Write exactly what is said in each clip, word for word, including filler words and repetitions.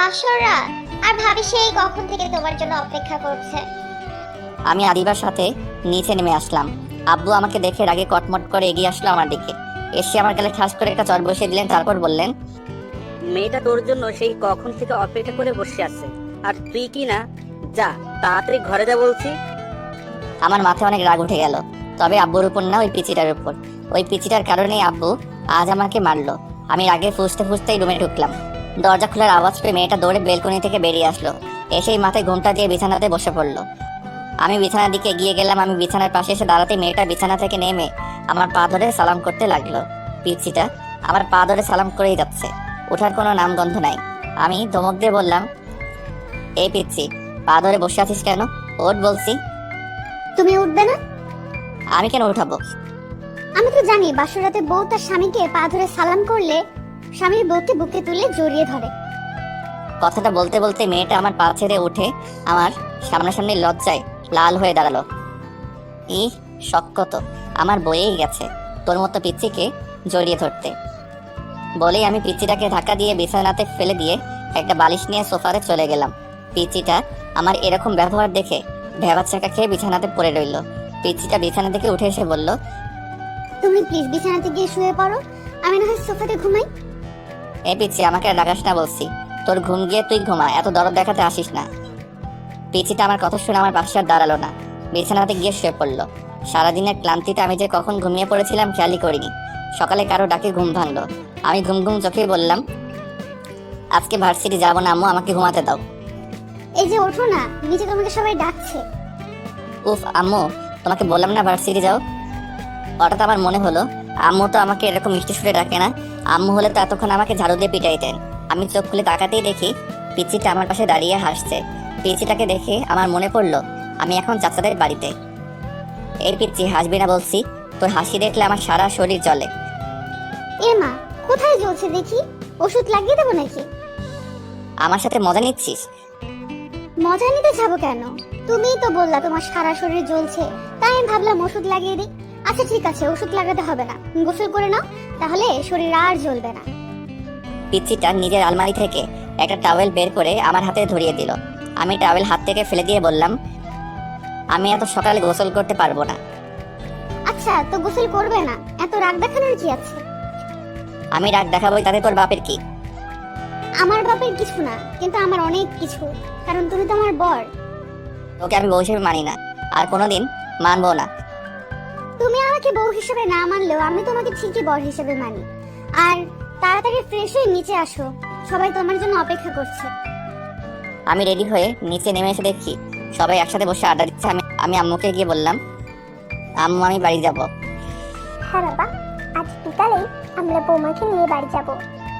বাসর রাত, আর ভাবি সেই কখন থেকে তোমার জন্য অপেক্ষা করছে। আমি আদিবার সাথে নিচে নেমে আসলাম। আব্বু আমাকে দেখে রাগে কটমট করে এগিয়ে আসলো আমার দিকে। এসে আমার গালে ঠাস করে একটা চড় বসিয়ে দিলেন, তারপর বললেন, মেয়েটা তোর জন্য সেই কখন থেকে অপেক্ষা করে বসে আছে, আর তুই কি না, যা তাড়াতাড়ি ঘরে যা বলছি। আমার মাথায় অনেক রাগ উঠে গেল, তবে আব্বুর উপর না, ওই পিচিটার উপর। ওই পিচিটার কারণেই আব্বু আজ আমাকে মারলো। আমি রাগে ফুসতে ফুসতেই রুমে ঢুকলাম। দরজা খোলার আওয়াজ পেয়ে মেয়েটা দৌড়ে বেলকনি থেকে বেরিয়ে আসলো। এসেই মাথায় ঘুমটা দিয়ে বিছানাতে বসে পড়লো। আমি বিছানার দিকে এগিয়ে গেলাম। আমি বিছানার পাশে এসে দাঁড়াতে মেয়েটা বিছানা থেকে নেমে আমার পা ধরে সালাম করতে লাগলো। পিচিটা আমার পা ধরে সালাম করেই যাচ্ছে, ওঠার কোনো নামগন্ধ নাই। আমি ধমক দিয়ে বললাম, এই পিচ্ছি, পা ধরে বসে আছিস কেন? ওঠ বলছি। তুমি উঠবে না? আমি কেন উঠাবো? আমি তো জানি বাসর রাতে বউ তার স্বামীকে পা ধরে সালাম করলে স্বামীর বউকে বুকে তুলে জড়িয়ে ধরে। কথাটা বলতে বলতে মেয়েটা আমার পা ছেড়ে উঠে আমার সামনাসামনি লজ্জায় লাল হয়ে দাঁড়ালো। ই শক্ত, আমার বয়েই গেছে তোর মতো পিচ্চিকে জড়িয়ে ধরতে। বলেই আমি পিচ্চিটাকে ধাক্কা দিয়ে বিছানাতে ফেলে দিয়ে একটা বালিশ নিয়ে সোফাতে চলে গেলাম। পিচ্চিটা আমার এরকম ব্যবহার দেখে ভেবা চাকা খেয়ে বিছানাতে পড়ে রইল। পিচ্চিটা বিছানা থেকে উঠে এসে বলল, তুমি প্লিজ বিছানাতে গিয়ে শুয়ে পড়ো, আমি না হয় সোফাতে ঘুমাই। এ পিচ্ছি, আমাকে আর ডাকাস না বলছি। তোর ঘুম গিয়ে তুই ঘুমা, এত দরদ দেখাতে আসিস না। পিচিটা আমার কথা শুনে আমার পাশে আর দাঁড়ালো না, বিছানাতে গিয়ে শুয়ে পড়লো। সারাদিনের ক্লান্তিতে আমি যে কখন ঘুমিয়ে পড়েছিলাম খেয়ালই করিনি। সকালে কারো ডাকে ঘুম ভাঙলো। আমি ঘুম ঘুম চোখেই বললাম, আজকে ভার্সিটি যাবো না আম্মু, আমাকে ঘুমাতে দাও। এই যে ওঠো না, নিচে তোমাকে সবাই ডাকছে। উফ আম্মু, তোমাকে বললাম না ভার্সিটি যাও। হঠাৎ আমার মনে হলো আম্মু তো আমাকে এরকম মিষ্টি সুরে ডাকে না। আম্মু হলে তো এতক্ষণ আমাকে ঝাড়ু দিয়ে পিটাইতেন। আমি চোখ খুলে তাকাতেই দেখি পিচিটা আমার পাশে দাঁড়িয়ে হাসছে। পিচিটাকে দেখে আমার মনে পড়লো আমি এখন চাচাদের বাড়িতে। এই পিচ্ছি, হাসবি না বলছি, তোর হাসি দেখলে আমার সারা শরীর জ্বলে। এ মা, কোথায় জ্বলছে দেখি? ওষুধ লাগিয়ে দেবো নাকি? আমার সাথে মজা নিচ্ছিস? মজা নিতে যাবো কেন? তুমিই তো বললা তোমার সারা শরীর জ্বলছে, তাই আমি ভাবলাম ওষুধ লাগিয়ে দিই। আচ্ছা ঠিক আছে, ওষুধ লাগাতে হবে না, গোসল করে নাও, তাহলে শরীর আর জ্বলবে না। পিচ্ছিটা নিজের আলমারি থেকে একটা টাওয়েল বের করে আমার হাতে ধরিয়ে দিল। আমি টাওয়েল হাত থেকে ফেলে দিয়ে বললাম, আমি এত সকালে গোসল করতে পারবো না। আচ্ছা তো গোসল করবে না, এত রাগ দেখানোর কি আছে? আমি রাগ দেখাবোই, তাতে তোর বাপের কি? আমার বাপের কিছু না, কিন্তু আমার অনেক কিছু, কারণ তুমি তো আমার বর। ওকে আমি বউ হিসেবে মানি না, আর কোনোদিন মানবো না। তুমি আমাকে বউ হিসেবে না মানলেও আমি তোমাকে ঠিকই বর হিসেবে মানি। আর তাড়াতাড়ি ফ্রেশ হয়ে নিচে আসো, সবাই তোমার জন্য অপেক্ষা করছে। আমি রেডি হয়ে নিচে নেমে এসে দেখি সবাই একসাথে বসে আড্ডা দিচ্ছে। আমি আমি আম্মুকে গিয়ে বললাম, আম্মু আমি বাড়ি যাব। হ্যাঁ বাবা, আজ বিকালেই আমরা বৌমাকে নিয়ে বাড়ি যাব।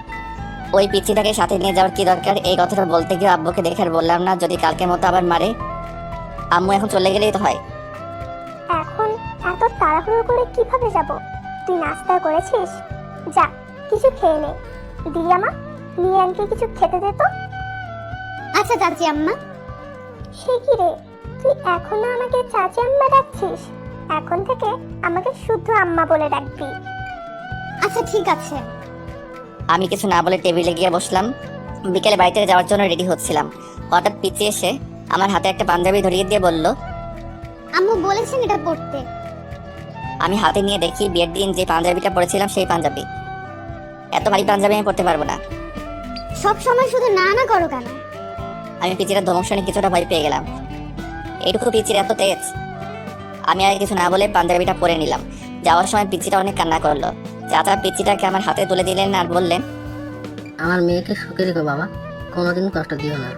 ওই পিচ্ছিটাকে সাথে নিয়ে যাওয়ার কি দরকার? এই কথাটা বলতে গিয়ে আব্বুকে দেখে আর বললাম না, যদি কালকের মতো আবার মারে। আম্মু এখন চলে গেলেই তো হয়। এখন এত তাড়াহুড়ো করে কিভাবে যাব? তুই নাস্তা করেছিস? যা কিছু খেয়ে নে। দিয়ামা, নিয়ে আনকে কিছু খেতে দে তো। আচ্ছা চাচি আম্মা। সে কি রে, তুই এখনো আমাকে চাচি আম্মা ডাকছিস? এখন থেকে আমাকে শুদ্ধ আম্মা বলে ডাকবি। আচ্ছা ঠিক আছে। আমি কিছু না বলে টেবিলে গিয়ে বসলাম। বিকেলে বাড়িতে যাওয়ার জন্য রেডি হচ্ছিলাম, হঠাৎ পিচি এসে আমার হাতে একটা পাঞ্জাবি ধরিয়ে দিয়ে বলল, আম্মু বলেছেন এটা পড়তে। আমি হাতে নিয়ে দেখি বিয়ের দিন যে পাঞ্জাবিটা পরেছিলাম সেই পাঞ্জাবি। এত ভারী পাঞ্জাবি আমি পরতে পারবো না। সব সময় শুধু না না করো কেন? আমি পিচির ধমক শুনে কিছুটা ভয় পেয়ে গেলাম। এইটুকু পিচির এত তেজ! আমি আর কিছু না বলে পাঞ্জাবিটা পরে নিলাম। যাওয়ার সময় পিচিটা অনেক কান্না করলো। চাচা পিচিটাকে আমার হাতে তুলে দিলেন আর বললেন, আমার মেয়েকে সুখে রেখো বাবা, কোনোদিন কষ্ট দিও না।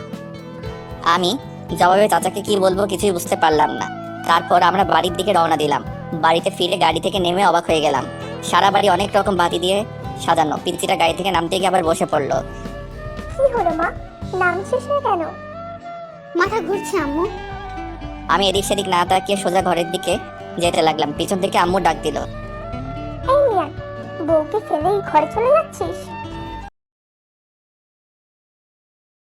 আমি জবাবে চাচাকে কি বলবো কিছুই বুঝতে পারলাম না। তারপর আমরা বাড়ির দিকে রওনা দিলাম। বাড়িতে ফিরে গাড়ি থেকে নেমে অবাক হয়ে গেলাম। সারা বাড়ি অনেক রকম বাতি দিয়ে সাজানো। পিচিটা গাড়ি থেকে নামতে গিয়ে আবার বসে পড়লো। কি হলো মা, নামছিস না কেন? মাথা ঘুরছে আম্মু। আমি এদিক সেদিক না তাকিয়ে সোজা ঘরের দিকে যেতে লাগলাম। পিছন থেকে আম্মু ডাক দিল, এই মিয়া, বউকে ফেলেই ঘরে চলে যাচ্ছিস?